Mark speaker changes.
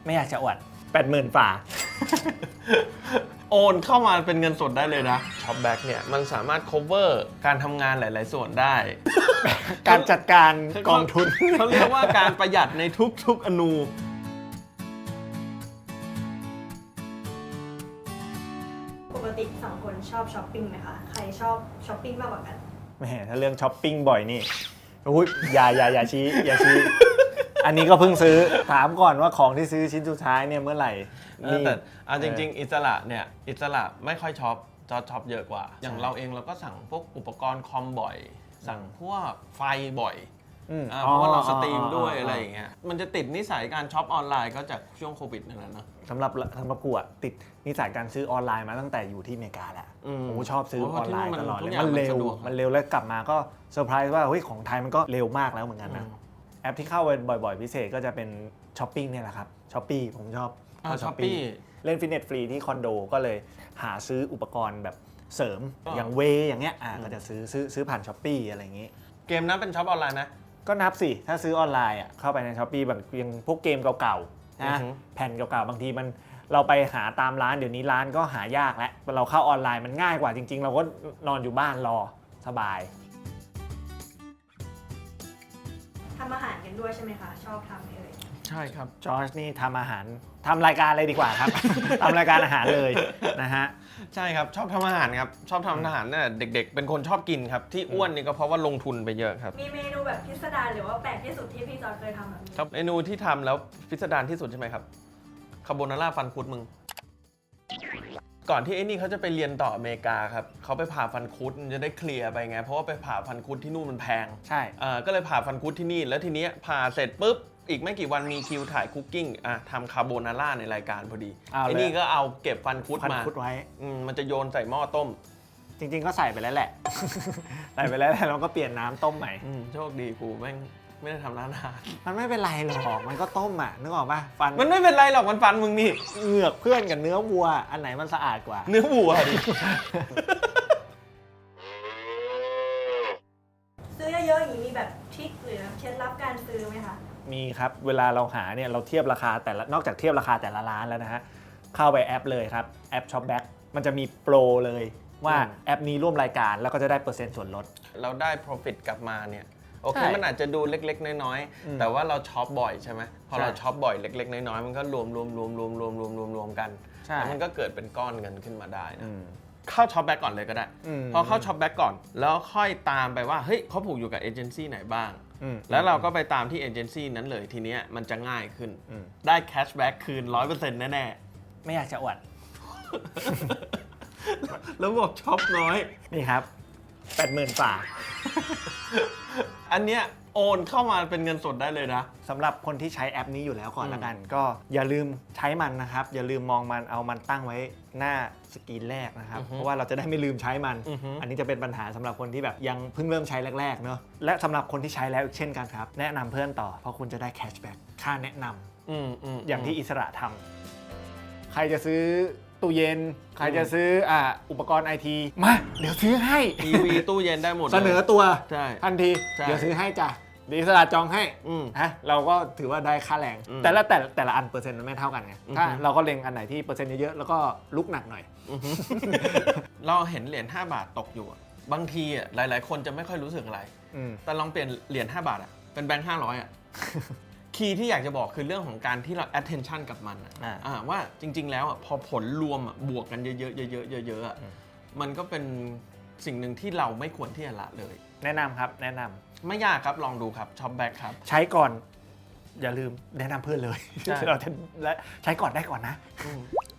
Speaker 1: ไม่อยากจะอวด80,000 ฝ่า
Speaker 2: โอนเข้ามาเป็นเงินสดได้เลยนะช็อปแบ็กเนี่ยมันสามารถ cover การทำงานหลาย ๆ ส่วนได้
Speaker 1: การจัดการกองทุน
Speaker 2: เขาเรียกว่าการประหยัดในทุกๆอนู
Speaker 3: ปกติสองคนชอบช้อปปิ้งไหมคะ ใครชอบช้อปปิ้งมากกว่ากัน
Speaker 1: แหมถ้าเรื่องช้อปปิ้งบ่อยนี่อุ้ยอย่าชี้อย่าชี้ อันนี้ก็เพิ่งซื้อถามก่อนว่าของที่ซื้อชิ้นสุดท้ายเนี่ยเมื่อไหร่นี่
Speaker 2: แต่เอาจริง ๆ อิสระเนี่ยอิสระไม่ค่อยช็อปช็อปเยอะกว่า อย่างเราเองเราก็สั่งพวกอุปกรณ์คอมบ่อย สั่งพวกไฟบ่อยเพราะว่าเราสตรีมด้วยอะไรอย่างเงี้ยมันจะติดนิสัยการช็อปออนไลน์ก็จากช่วงโควิดนั่นแหละเนาะ
Speaker 1: สำหรับกูอะติดนิสัยการซื้อออนไลน์มาตั้งแต่อยู่ที่อเมริกาแล้วผมชอบซื้อออนไลน์ตลอดเลยมันเร็วแล้วกลับมาก็เซอร์ไพรส์ว่าเฮ้ยของไทยมันก็เร็วมากแล้วเหมือนกันนะแอปที่เข้าไปบ่อยๆพิเศษก็จะเป็นช้อปปิ้งเนี่ยแหละครับช้อปปี้ผมชอบ
Speaker 2: ช้อปปี้
Speaker 1: เล่นฟิตเนสฟรีที่คอนโดก็เลยหาซื้ออุปกรณ์แบบเสริมอย่างเวอย่างเงี้ยก็จะซื้อผ่านช้อปปี้อะไรอย่างงี้
Speaker 2: เกมนั้นเป็นช็อปออนไลน์ไหม
Speaker 1: ก็นับสิถ้าซื้อออนไลน์อ่ะเข้าไปในช้อปปี้แบบยังพวกเกมเก่าๆนะแผ่นเก่าๆบางทีมันเราไปหาตามร้านเดี๋ยวนี้ร้านก็หายากแล้วเราเข้าออนไลน์มันง่ายกว่าจริงๆเราก็นอนอยู่บ้านรอสบาย
Speaker 3: ทำอาหารกันด้วยใช่ไหมคะ ชอบทำเลย
Speaker 2: ใช่ครับ
Speaker 1: จอร์จนี่ทำอาหารทำรายการเลยดีกว่าครับ ทำรายการอาหารเลยนะฮะ
Speaker 2: ใช่ครับชอบทำอาหารครับชอบทำอาหารเนี่ยเด็กๆเป็นคนชอบกินครับที่อ้วนนี่ก็เพราะว่าลงทุนไปเยอะครับ
Speaker 3: มีเมนูแบบพิสดารหรือว่าแปลกที่สุดที่พี่จอร์จเคยทำแบบนี้
Speaker 2: ครับเมนูที่ทำแล้วพิสดารที่สุดใช่ไหมครับคาโบนาร่าฟันคุดมึงก่อนที่ไอ้นี่เขาจะไปเรียนต่ออเมริกาครับเขาไปผ่าฟันคุดจะได้เคลียร์ไปไงเพราะว่าไปผ่าฟันคุดที่นู่นมันแพง
Speaker 1: ใช่
Speaker 2: ก็เลยผ่าฟันคุดที่นี่แล้วทีเนี้ยผ่าเสร็จปุ๊บอีกไม่กี่วันมีคิวถ่ายคุกกิ้งทำคาโบนาร่าในรายการพอดีไอ้นี่ก็เอาเก็บฟันคุดมา
Speaker 1: ไว้
Speaker 2: มันจะโยนใส่หม้อต้ม
Speaker 1: จริงๆก็ใส่ไปแล้วแหละ ใส่ไปแล้วเราก็เปลี่ยนน้ำต้มใหม่
Speaker 2: โชคดีกูแม่งไม่ได้ทำร้านอาหาร
Speaker 1: มันไม่เป็นไรหรอกมันก็ต้มนึกออกป่ะฟัน
Speaker 2: มันไม่เป็นไรหรอกมันฟันมึงนี่
Speaker 1: เหงือกเพื่อนกับเนื้อวัวอันไหนมันสะอาดกว่า
Speaker 2: เนื้อวัวดิ
Speaker 3: ซื้อเยอะๆอย่างนี้มีแบบทริคหรือเคล็ดลับการซื้อไหมคะ
Speaker 1: มีครับเวลาเราหาเนี่ยเราเทียบราคาแต่ละนอกจากเทียบราคาแต่ละร้านแล้วนะฮะเข้าไปแอปเลยครับแอป Shopback มันจะมีโปรเลยว่าแอปนี้ร่วมรายการแล้วก็จะได้เปอร์เซ็นต์ส่วนลด
Speaker 2: เราได้ profit กลับมาเนี่ยโอเคมันอาจจะดูเล็กๆน้อยๆแต่ว่าเราช็อปบ่อยใช่ไหมพอเราช็อปบ่อยเล็กๆน้อยๆมันก็รวมกันแล้วมันก็เกิดเป็นก้อนเงินขึ้นมาได้นะเข้าช็อปแบ็กก่อนเลยก็ได้พอเข้าช็อปแบ็กก่อนแล้วค่อยตามไปว่าเฮ้ยเขาผูกอยู่กับเอเจนซี่ไหนบ้างแล้วเราก็ไปตามที่เอเจนซี่นั้นเลยทีเนี้ยมันจะง่ายขึ้นได้แคชแบ็กคืน 100% แน่
Speaker 1: ๆไม่อยากจะอวด
Speaker 2: แล้วบอกช็อปน้อย
Speaker 1: นี่ครับ 80,000 ฝ่า
Speaker 2: อันเนี้ยโอนเข้ามาเป็นเงินสดได้เลยนะ
Speaker 1: สำหรับคนที่ใช้แอปนี้อยู่แล้วก่อนละกันก็อย่าลืมใช้มันนะครับอย่าลืมมองมันเอามันตั้งไว้หน้าสกรีนแรกนะครับเพราะว่าเราจะได้ไม่ลืมใช้มันอันนี้จะเป็นปัญหาสำหรับคนที่แบบยังเพิ่งเริ่มใช้แรกๆเนอะและสำหรับคนที่ใช้แล้วเช่นกันครับแนะนำเพื่อนต่อเพราะคุณจะได้แคชแบ็กค่าแนะนำอย่างที่อิสระทำใครจะซื้อตู้เย็นใครจะซื้ออุปกรณ์ไอทีมาเดี๋ยวซื้อให้
Speaker 2: ทีวีตู้เย็นได้หมด
Speaker 1: เสนอตัวทันที
Speaker 2: เ
Speaker 1: ดี๋ยวซื้อให้จ้ะเดี๋ยวอิสระจองให้ฮะเราก็ถือว่าได้ค่าแรงแต่ละอันเปอร์เซ็นต์มันไม่เท่ากันไงถ้าเราก็เล็งอันไหนที่เปอร์เซ็นต์เยอะๆแล้วก็ลุกหนักหน่อย
Speaker 2: เราเห็นเหรียญ5 บาทตกอยู่บางทีหลายๆคนจะไม่ค่อยรู้สึกอะไรแต่ลองเปลี่ยนเหรียญ5 บาทเป็นแบงค์500คีย์ที่อยากจะบอกคือเรื่องของการที่เรา attention กับมันว่าจริงๆแล้วพอผลรวมบวกกันเยอะๆมันก็เป็นสิ่งหนึ่งที่เราไม่ควรที่จะละเลย
Speaker 1: แนะนำครับแนะนำ
Speaker 2: ไม่ยากครับลองดูครับช็อปแบ็กครับ
Speaker 1: ใช้ก่อนอย่าลืมแนะนำเพื่อนเลยเราและใช้ก่อนได้ก่อนนะ